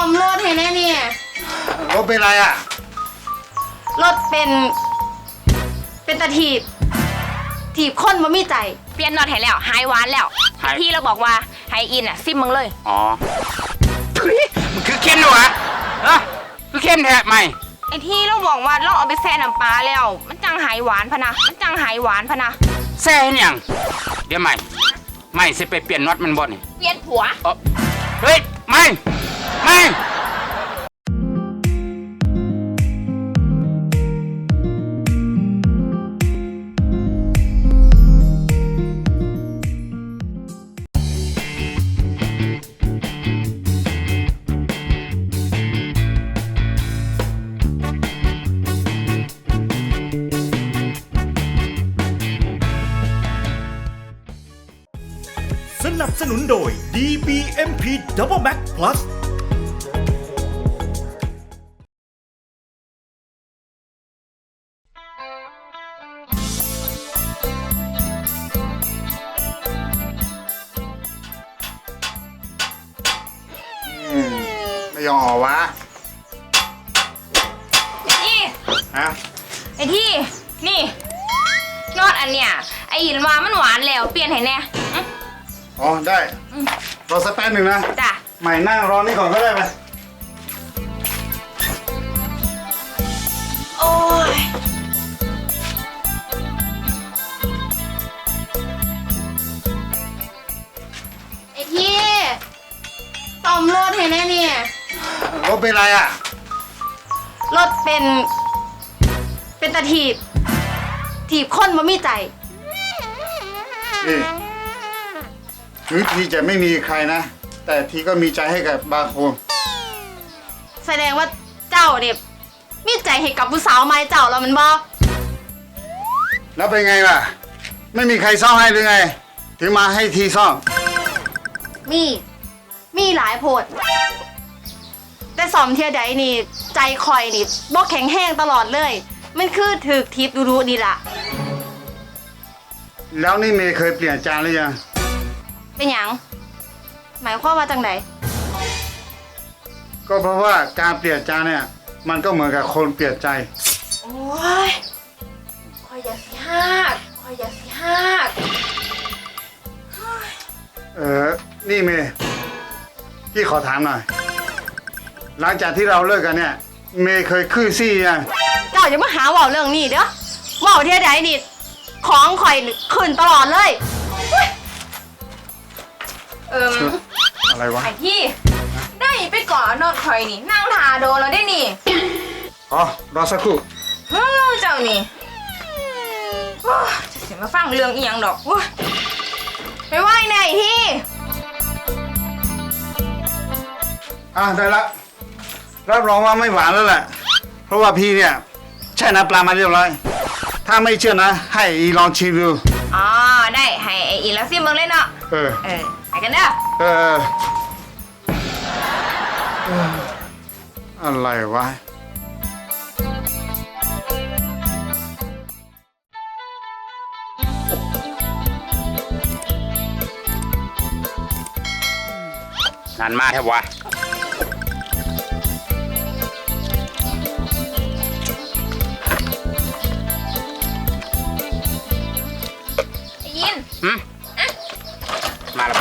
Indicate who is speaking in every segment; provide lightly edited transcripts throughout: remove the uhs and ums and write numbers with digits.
Speaker 1: มรถให้แน่เนี่ย
Speaker 2: รถเป็นไรอ่ะ
Speaker 1: รถเป็นตะถีบคนบ่มีใจ
Speaker 3: เปลี่ยนน็อตให้แล้วหายหวานแล้วที่เราบอกว่าไฮอินอ่ะซิมมึงเลย
Speaker 2: อ๋อมันคือเข้มด้วยวะคือเข้มแท้ไหม
Speaker 3: ไอที่เราบอกว่าเราเอาไปแช่น้ำปลาแล้วมันจังหายหวานพะนะ
Speaker 2: แซ่ยังเดี๋ยวไม่สิไปเปลี่ยนน็อตมันบ่นี่
Speaker 3: เปลี่ยนผัว
Speaker 2: เฮ้ยไม่
Speaker 4: สนับสนุนโดย DBMP Double Max Plus
Speaker 2: ไม่ยอมออกวะ
Speaker 3: นี่
Speaker 2: ฮะ
Speaker 3: ไอที่นี่นอดอันเนี้ยไอหินว่ามันหวานแล้วเปลี่ยนให้แน่
Speaker 2: อ๋อได้รอสักแป๊บหนึ่งนะ
Speaker 3: จ้ะ
Speaker 2: ใหม่นั่งรอนี่ก่อนก็ได้ไหม
Speaker 3: โอ้ย
Speaker 1: ไอ้ที่ซ่อมรถให้แน่เนี่ย
Speaker 2: รถเป็นไรอ่ะ
Speaker 1: รถเป็นตะถีบคนบ่มีใจ
Speaker 2: นี่ถึงทีจะไม่มีใครนะแต่ทีก็มีใจให้กับบางคน
Speaker 1: แสดงว่าเจ้าเนี่ยมีใจให้กับผู้สาวไม้เจ้าแล้วมันบ่
Speaker 2: แล้วเป็นไงล่ะไม่มีใครซ่อมให้หรือไงถึงมาให้ทีซ่อม
Speaker 1: มีหลายโพดแต่ซ่อมเที่ยใดนี่ใจคอยนี่บ่แข็งแห้งตลอดเลยมันคือถึกทิพย์ดูดีล่ะ
Speaker 2: แล้วนี่เมย์เคยเปลี่ยนจานหรือยัง
Speaker 1: เป็นหยังหมายความว่าจังไหน
Speaker 2: ก็เพราะว่าการเปลี่ยนจานเนี่ยมันก็เหมือนกับคนเปลี่ยนใจ
Speaker 1: โอ้ยคอยอย่าสิฮาก
Speaker 2: นี่เมย์พี่ขอถามหน่อยหลังจากที่เราเลิกกันเนี่ยเมย์เคยขึ้นซี่ยัง
Speaker 1: เจ้าอย่ามาหาว่าเรื่องนี้เด้อว่าเที่ยใดนี่ของข่อยขึ้นตลอดเลย
Speaker 2: อะไรวะ
Speaker 3: ไอที่ได้ไปก่อนนอดคอยนี่นั่งทาโดนแล้วได้นี่
Speaker 2: อ๋อรอสักครู่
Speaker 3: เจ้านี่จะเสียมาฟังเรื่องอีหยังดอกไปไหว้ไหนที่
Speaker 2: ได้ละรับรองว่าไม่หวานแล้วแหละเพราะว่าพี่เนี่ยแช่น้ำปลามาเรียบร้อยถ้าไม่เชื่อนะให้อีลองชิมดู
Speaker 3: อ๋อได้ให้อีแล้วซิมึงเล่นเนาะไปกันเด้อ
Speaker 2: อะไรวะงานมาแทบวะมาแล้ว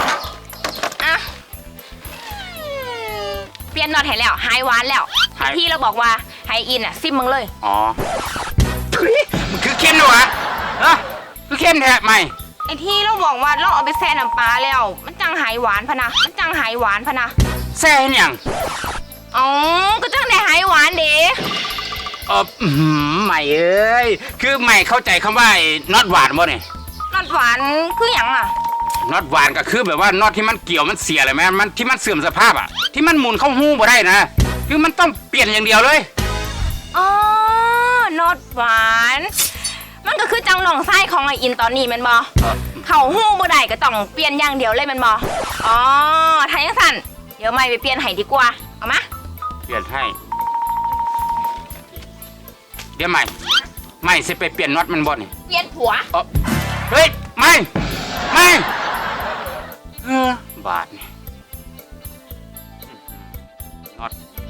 Speaker 3: เปลี่ยนน็อตให้แล้วหายหวานแล้วที่เราบอกว่าไฮอินอ่ะซิมมึงเลย
Speaker 2: อ๋อมันคือเข้มด้วยวะคือเข้มแท้ไหม
Speaker 3: ไอที่เราบอกว่าเราเอาไปแช่น้ำปลาแล้วมันจังหายหวานพะนะ
Speaker 2: แซ่ยัง
Speaker 3: อ๋อก็จังได้หายหวานเด้
Speaker 2: ใหม่เอ้ยคือใหม่เข้าใจคำว่าน็อตหวานบ่เนี่ย
Speaker 3: น็อตหวานคืออย่างอ่ะ
Speaker 2: น็อตหวานก็คือแบบว่าน็อตที่มันเกี่ยวมันเสียเลยไหมมันที่มันเสื่อมสภาพอ่ะที่มันหมุนเข้าหู้บ่ได้นะคือมันต้องเปลี่ยนอย่างเดียวเลย
Speaker 3: อ๋อน็อตหวานมันก็คือจังหนองไส้ของไออินตอนนี้มันบ่เข้าหู้บ่ได้ก็ต้องเปลี่ยนอย่างเดียวเลยมันบ่อ๋อถ้าอย่างสั้นเดี๋ยวไม่ไปเปลี่ยนให้ดีกว่าเอามา
Speaker 2: เปลี่ยนให้เดี๋ยวไม่สิไปเปลี่ยนน็อตมันบ่นี่
Speaker 3: เปลี่ยนผัว
Speaker 2: เฮ้ยไม่บาทนี่
Speaker 5: น็อต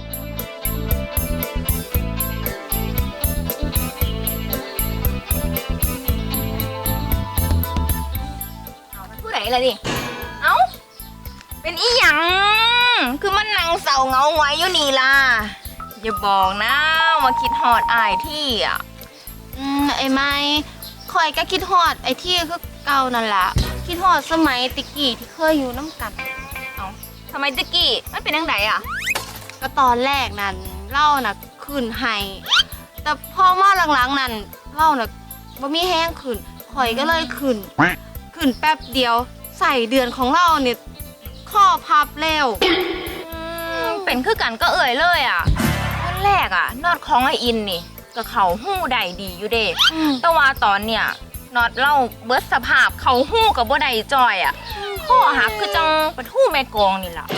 Speaker 3: ผู้ใดล่ะนี่เอ้าเป็นอีหยังคือมันนั่งเศร้าเหงาหงอยอยู่นี่ล่ะอย่าบอกนะว่าคิดฮอดอายที่อ่ะ
Speaker 1: ไอ้ไม้คอยก็คิดฮอดไอ้ที่คือเก่านั่นล่ะคิดฮอดสมัยติกี้ที่เคยอยู่น้ำกัน
Speaker 3: ทำไมตะกี้มันเป็นยังไงอ่ะ
Speaker 1: ก็ตอนแรกนั้นเล่าน่ะขึ้นให้แต่พอมาหลังๆนั้นเล่าน่ะบ่มีแห้งขึ้นข่อยก็เลยขึ้นแป๊บเดียวใส่เดือนของเราเนี่ยข้อพับแล้ว
Speaker 3: เป็นคือกันก็เอ่ยเลยอ่ะตอนแรกอ่ะนอดของไออินนี่ก็เขาหู้ได้ดีอยู่เด้แต่ว่าตอนเนี่ยนอดเล่าเบิดสภาพเขาหู้กับบ่ได้จอยอ่ะข้อหักคือจังปะทู่แม่กองนี่ล่ะ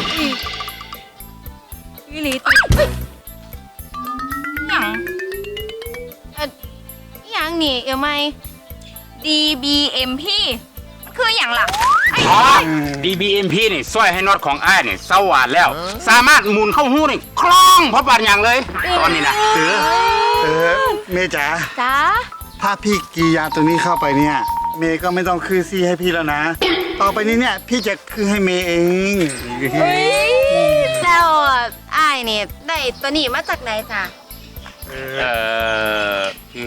Speaker 1: วิลิต
Speaker 3: หยัง
Speaker 1: อหยังนี่เอวไม่
Speaker 3: DBMP มันคืออย่างล่ะ
Speaker 5: อ๋อ DBMP นี่ช่วยให้น็อตของอ้ายนี่สว่านแล้ว สามารถหมุนเข้าหู้นี่คล่องเพราะบาดอย่างเลย ตอนนี้นะ
Speaker 2: เมย์จ๋า
Speaker 1: จ้า
Speaker 2: ถ้าพี่กียาตัวนี้เข้าไปเนี่ย เมย์ก็ไม่ต้องคือซี่ให้พี่แล้วนะ ต่อไปนี้เนี่ยพี่จะคือให้เมย์เอง
Speaker 1: แล้วอ้ายเนี่ยได้ตัวนี้มาจากไหนจ้ะ
Speaker 5: คือ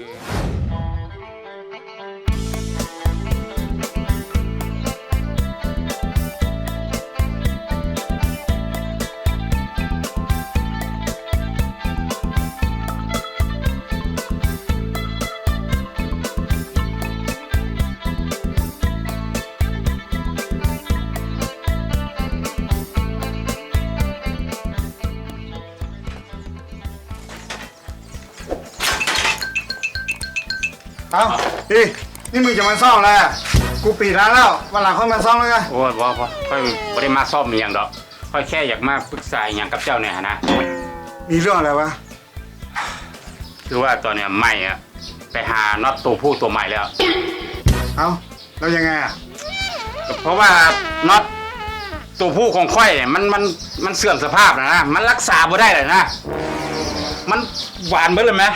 Speaker 2: เอ้านี่มึงจะมาซ่อมอะไรอ่ะกูปิดร้านแล้ววันหลังค่อยมาซ่อมแล้วกัน
Speaker 5: โอ้ยบ่ค่อยบ่ได้มาซ่อมอหย่างดอกค่อยแค่อยากมาปรึกษาอหย่างกับเจ้าเนี่ยนะ
Speaker 2: มีเรื่องอะไรวะ
Speaker 5: คือว่าตอนเนี้ยใหม่อะไปหาน็อตตัวผู้ตัวใหม่แล้ว
Speaker 2: เอ้าแล้วยังไงอ่ะ
Speaker 5: เพราะว่าน็อตตัวผู้ของค่อยเนี่ยมันเสื่อมสภาพนะ มันรักษาบ่ได้เลยนะ มันหวานเบิดเลยไหม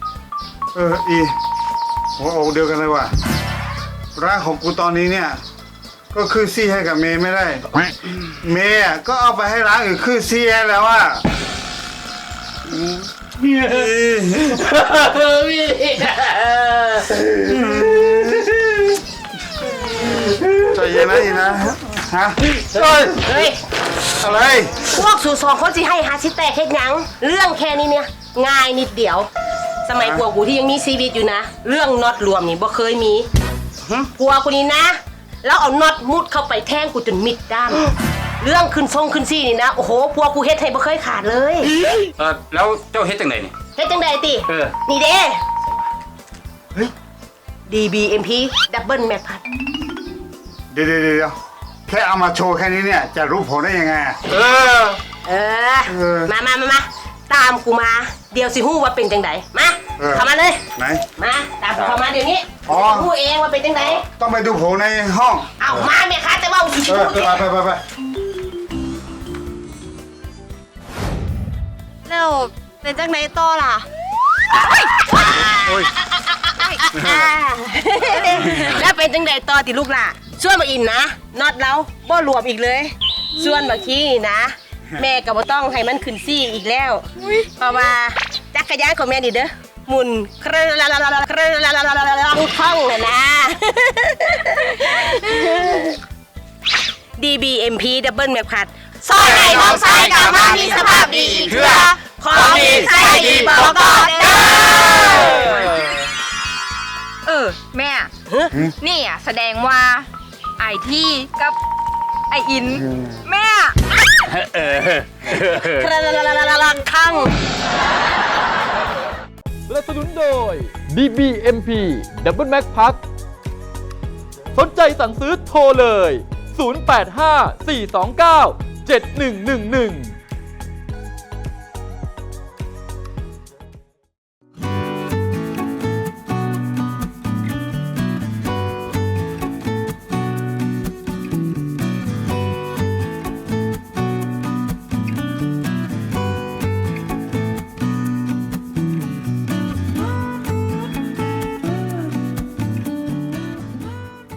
Speaker 2: โอ้โหเดียวกันเลยว่ะร้านของกูตอนนี้เนี่ย ก็คือซี่ให้กับเมย์ไม่ได้ เมย์อ่ะก็เอาไปให้ร้านอื่นคือซี่ให้แล้วอ่ะใจเย็นนะอีนะฮะ
Speaker 6: เฮ้ย
Speaker 2: อะไร
Speaker 6: พวกสู่สองคนสิให้หาสิแตกเฮ็ดหยังเรื่องแค่นี้เนี่ยง่ายนิดเดียว สมัยพวกกูที่ยังมีชีวิตอยู่นะ เรื่องน็อตรวมนี่บ่เคยมีพวกกูนี่นะ แล้วเอาน็อตมุดเข้าไปแทงกูจนมิดด้ามเรื่องขึ้นทรงขึ้นซี่นี่นะโอ้โหพวกกูเฮ็ดให้บ่เคยขาดเลย
Speaker 5: แล้วเจ้าเฮ็ดจังไดนี่
Speaker 6: เฮ็ดจังใดติ นี่เด้ DBMP Double Map พัด
Speaker 2: เดี๋ยวแค่เอามาโชว์แค่นี้เนี่ยจะรู้ผลได้ยังไงอะ
Speaker 6: เออ มาตามกูมา เดี๋ยวสิฮู้ว่าเป็นจังไดมาเข้ามาเลย
Speaker 2: ไหน
Speaker 6: มาตามกูเข้ามาเดี๋ยวนี้
Speaker 2: อ๋อ
Speaker 6: ฮู้เองว่าเป็นจังได
Speaker 2: ต้องไปดูผลในห้อง
Speaker 6: เอามาแม่ค้าแต่ว่าสิ
Speaker 2: ไป
Speaker 1: แล้วเป็นจากไหนต่อล่ะ
Speaker 6: แล้วเป็นจังไดต่อติลูกล่ะส่วนมาอินนะน็อตเราบ่รวมอีกเลย ส่วนบางทีนะ แม่ก็บ่ต้องให้มันขึ้นซี่อีกแล้วเพราะว่าจักรยานของแม่นี่เด้อหมุนครึ่งท่องน่ะนะ DBMP Double Map พัด
Speaker 1: ซอยให้น้องชายกลับมามีสภาพดีอีกเถื่อของดีใส่ดีบอกก่อนเด้อ
Speaker 3: แม่ นี่อ่ะแสดงว่าไอที่กับไออิน แม่
Speaker 6: ข้าง
Speaker 7: สนับสนุนโดย DBMP Double Max Pack สนใจสั่งซื้อโทรเลย 085 429 7111